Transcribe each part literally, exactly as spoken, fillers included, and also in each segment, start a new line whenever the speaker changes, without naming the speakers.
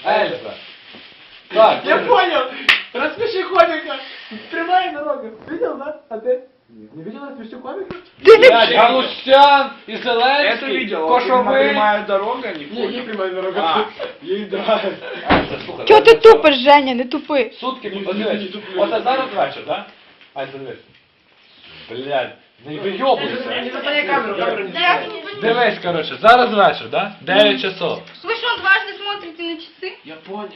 Эльза. Так,
Я понял! Рассмеши комика! Прямая дорога. Видел, да? А ты? Не видел рассмеши комика?
блядь, Галустян и Зеленский.
Это видел.
Кошовый.
Прямая дорога, не
Не,
понял.
не прямая дорога.
А, ей драйв.
Ельза, слухай,
Чого ти
давай так.
тупиш, Женя, не тупи.
Сутки,
Ні,
от
ні,
дивись,
ні, туплю.
оце зараз вечір, да? Ань, дивись. Блядь, не вийобуйся.
Не заслоняй камеру, камеру не
Да я
заслоняй.
не понимаю.
Дивись, короче, зараз вечір, да? дев'ять часов.
Вы что, дважды смотрите на часы?
Я понял.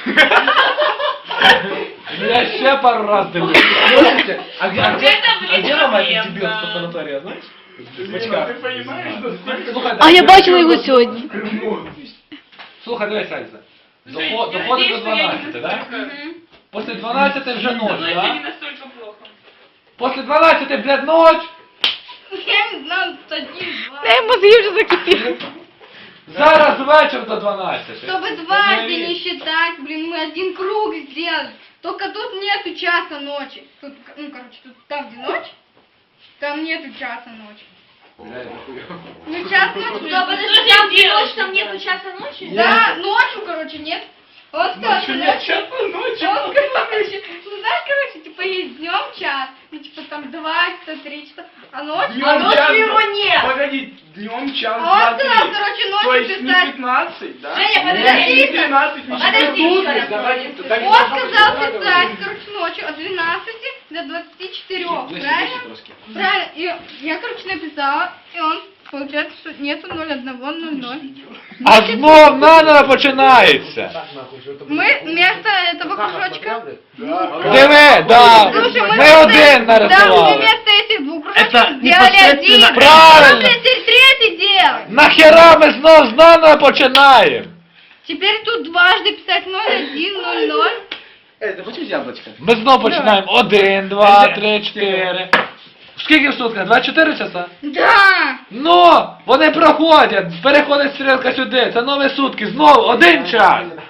Я ще пару раз дивлюсь.
Слушайте, а где, а где,
Это,
а
блин,
где Рома
проблема.
этот дебил с санатория, знаешь?
Ты понимаешь, что сколько...
Слухай,
А я
дивись,
бачила його сьогодні.
Слухай, дивись, Ельза. Доход- Доходить до дванадцяти, да? После дванадцяти вже ночь,
Это не
да?
настолько плохо.
После дванадцяти, блядь, ночь.
Я не знаю, тут один, два.
Ей, мозги вже закипіли.
Зараз вечір до дванадцяти.
Чтобы дважды не считать, блин, мы один круг сделали. Только тут нету часа ночи. Тут, ну, короче, тут там, где ночь, там нету часа ночи. Ну, час ночи.
Да, подожди, там где ночь, там нету часа ночи?
Да, ночью, короче, нет. Вот кто-то ночью. Вот, короче, ну, знаешь, короче, типа, есть днем час, ну, типа, там два часа, три часа, а ночью...
Днем
а ночью
час,
его нет.
Погоди, днем час,
А
два,
он сказал,
три.
короче,
То
ночью
есть не
писать.
пятнадцать, да?
Женя,
Нет,
подожди.
не тринадцать, не
Подожди,
четырнадцать.
еще раз.
Давайте, так
Он сказал писать, короче, ночью от двенадцати до двадцати четырёх, правильно? Правильно. И я, короче, написала, и он, получается, что нету ноль один ноль ноль.
А знов наново починається.
Мы вместо этого кружочка...
Диви, да.
Слушай, мы
Ми
вместо-
один
Да, мы
нарисували.
вместо этих двух кружочков
Это
сделали
непосредственно-
один.
Правильно.
Нужно теперь третий делать.
Нахера ми знов з наново починаємо?
Теперь тут дважды писать ноль один ноль ноль.
Эй, да хочешь яблочко?
Ми знов починаємо. Один, два, три, чотири. Скільки в сутках? двадцять чотири часа?
Да.
Ну, вони проходять, переходить стрілка сюди, це нові сутки, знову один час.
Ты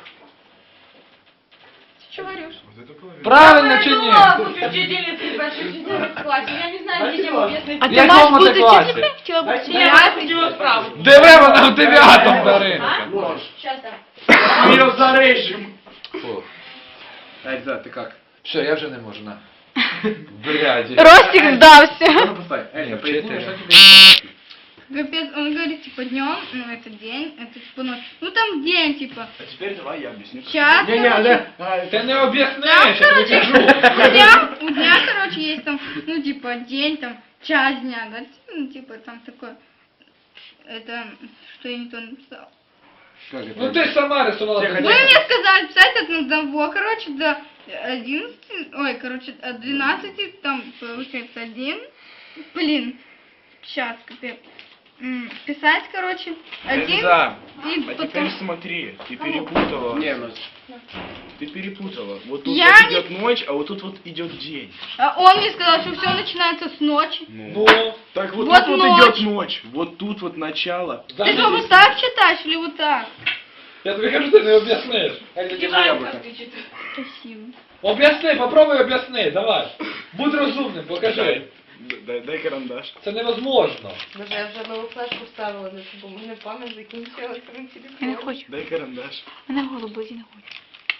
что говоришь?
Правильно чи ні?
В учительнице большой четыре классе. Я не знаю, где тему объяснить.
А ти
Я
маєш
дома
бути
це класі.
вчителем? Хотіла бути вчителем?
Я хотела справа.
Диви, вона в дев'ятому Даринка.
Сейчас там.
Ее зарежем.
Фу.
Эй, да, ты как?
Все, я вже не можу, на. Блядь.
Ростик здався.
Ну, поставь. Эй,
Не,
да поясни,
вчитель.
что тебе...
Капец, он говорит, типа, днем, ну, это день, это, типа, ночь. Ну, там день, типа,
А теперь давай я объясню.
час,
Не-не,
короче.
да.
Ти не об'ясниш,
Там,
я тобі
короче,
кажу.
у дня, у дня, короче, есть там, ну, типа, день, там, час дня, да, ну, типа, там такое, это, что я не то написала.
Как это?
Ну ти ж сама рисувала.
Тихо,
Вы мне сказали писать от одного, короче, до одиннадцати, ой, короче, от двенадцати, там, получается, один, блин, сейчас, капец, М, писать, короче, один,
Да.
и
А
потом...
теперь смотри, ты перепутала.
Не, ну...
Ты перепутала. Вот тут
Я
вот
не-
идет ночь, а вот тут вот идет день.
А он мне сказал, что все начинается с ночи.
Ну, так вот,
Вот
тут вот
ночь.
идет ночь. Вот тут вот начало.
Ты что, вот так читаешь или вот так?
Я тобі кажу, ти не об'ясниш.
Эй, держи яблоко.
Спасибо.
Об'ясни, попробуй об'ясни, давай. Будь розумним, покажи.
Дай, дай карандаш.
Це невозможно.
Боже, я вже нову флешку вставила на цю, бо в мене пам'ять закінчилась.
Я не хочу.
Дай карандаш.
Мене голубо, я не хочу.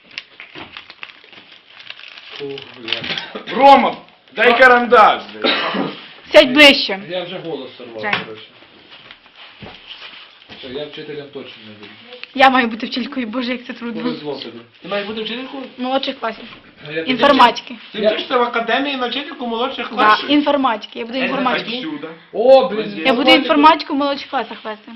Рома, дай карандаш. блядь.
Сядь ближче.
Я вже голос сорвав,
Жаль.
коротше. Все, я вчителем точно не буду.
Я маю бути вчителькою, боже, як це трудно.
Повезло тобі.
Ты маешь быть учителькой?
Молодших класів.
А я тобі-
Інформатики.
Ты
Я-
учишься в академии на учительку младших
Да,
классов?
інформатики. Я буду інформатику.
Отсюда.
О, блін.
Я буду інформатику в молодших класах вести.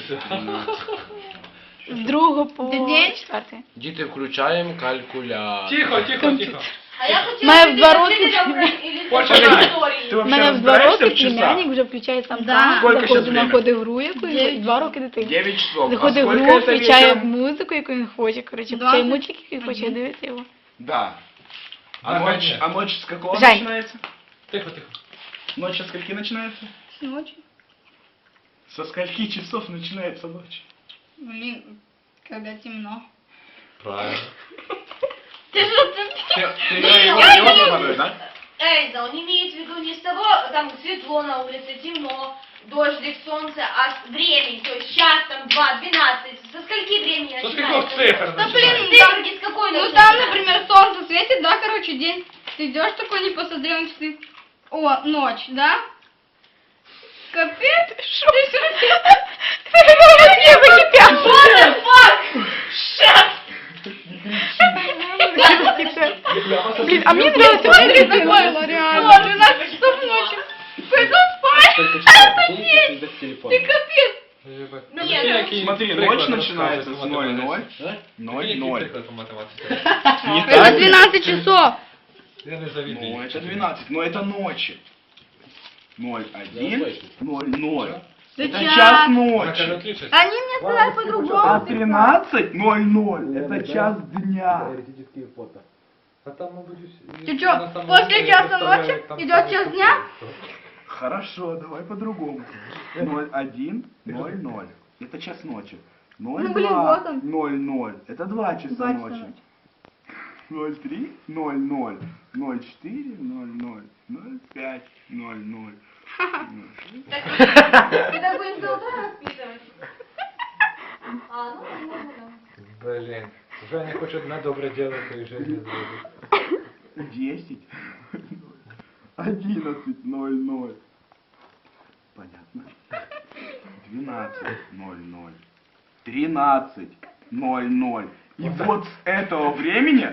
З другого по
Де день?
четвертий.
Діти, включаємо калькулятор.
Тихо, тихо, тихо.
А я хотела
Моя
пойти
в два
на
роки
учителя
племя-
или
Почему?
в
Ты
лаборатории.
У
вообще
мене в два
разбираешься
роки
в часах?
племянник вже включає сам
Да.
сам,
Сколько
заходить,
щас время?
знаходить гру якусь, і два роки дитини.
девять часов.
Заходить
а
в
сколько
гру,
это
включає
вечером?
музику, яку він хоче, коротше,
Двадцять
цей мультик, який він хоче, дивиться його.
Да. А
Да,
ночь,
конечно.
а ночь с какого
Жень.
начинается?
Тихо, тихо.
Ночь со скольки начинается?
С ночи.
Со скольки часов начинается ночь?
Блин, когда темно.
Правильно.
Ты что, ты...
Ты, ты ее не да?
Эльза, он имеет в виду не с того, там светло на улице, темно,
дождик, солнце, а времени, то есть час, там, два, двенадцать, со скольки времени
Со
начинается?
скольких цифр
Да,
начинается?
блин, там,
Циферки с какой
ну
начинаются?
там, например, солнце светит, да, короче, день. Ты идешь такой, не посмотрел на часы. О, ночь, да? Капец. Что? Ты все
What the fuck? Shut!
Блин, а мне нравится
Смотри, такое, реально. О, двенадцать часов ночи. Пойду спать. Ты капец.
Ну,
Нет,
який
Смотри,
приклад
ночь начинается
розказуєте
с ноль ноль.
математичний? А?
ноль
Який
ноль.
приклад по математиці?
Это двенадцать часов.
Я не завідую.
Ну, это двенадцать, но это ночи. ноль один, ноль ноль.
Да
Это
час.
час
Вона каже,
ночи.
отличиться.
Они мне сказали
А
по-другому.
тринадцать ноль ноль это час дня.
Теоретические фото. А там, мабуть,
Ты чё, после часа ночи идет час дня?
Хорошо, давай по-другому. ноль один ноль ноль. Это час ночи. ноль
Ну, блин,
два
вот он.
ноль ноль. Это два часа
Два часа
ночи.
ночи.
ноль три ноль ноль. ноль четыре ноль ноль. ноль пять ноль ноль.
Это будем до утра расписывать? А, ну, можно, да.
Блін. Женя хоч одне добре діло в своїй житті зробить.
десять. одиннадцать ноль ноль. Понятно. двенадцать ноль ноль. тринадцать ноль ноль. И вот с этого времени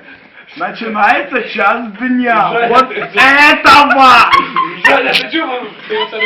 начинается час дня.
Женя,
Вот
ты-
этого!
Женя, ти чого? Ти оце